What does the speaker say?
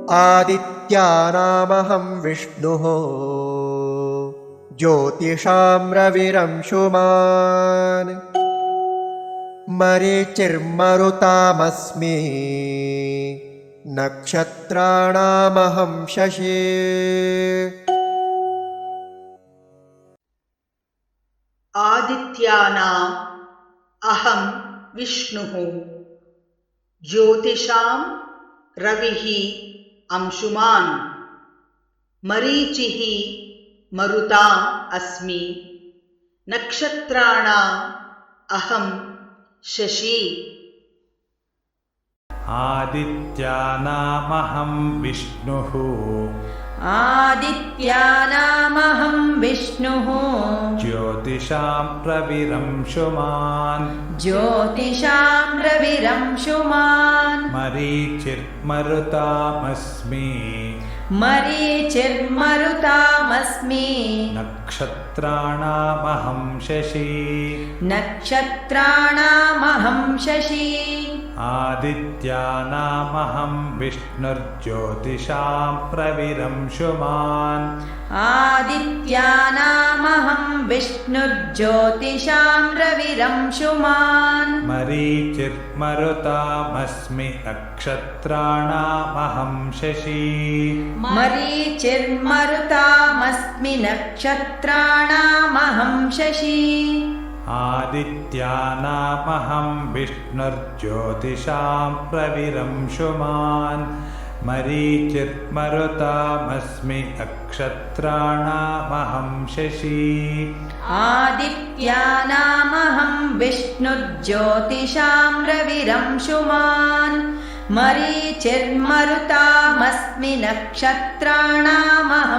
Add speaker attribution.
Speaker 1: आदित्यानामहं विष्णुः ज्योतिषां रविरंशुमान् मरीचिर्मरुतामस्मि नक्षत्राणामहं शशी।
Speaker 2: आदित्यानाम् अहं विष्णुः ज्योतिषां रविः अंशुमान् मरीचिः मरुताम् अस्मि नक्षत्राणाम् अहं शशी।
Speaker 3: आदित्यानामहं विष्णुः
Speaker 4: आदित्यानामहं विष्णुः
Speaker 3: ज्योतिषां रविरंशुमान्
Speaker 4: ज्योतिषां रविरंशुमान्
Speaker 3: मरीचिर्मरुतामस्मि
Speaker 4: मरीचिर्मरुतामस्मि
Speaker 3: नक्षत्राणामहं शशी
Speaker 4: नक्षत्राणामहं शशी।
Speaker 3: आदित्यानामहं विष्णुर्ज्योतिषां रविरंशुमान्
Speaker 4: आदित्यानामहं विष्णुर्ज्योतिषां रविरंशुमान्
Speaker 3: मरीचिर्मरुतामस्मि नक्षत्राणामहं शशी
Speaker 4: मरीचिर्मरुतामस्मि नक्षत्राणामहं शशी।
Speaker 3: आदित्यानामहं विष्णुर्ज्योतिषां रविरंशुमान् मरीचिर्मरुतामस्मि नक्षत्राणामहं शशी
Speaker 4: आदित्यानामहं विष्णुर्ज्योतिषां रविरंशुमान् मरीचिर्मरुतामस्मि नक्षत्राणामहं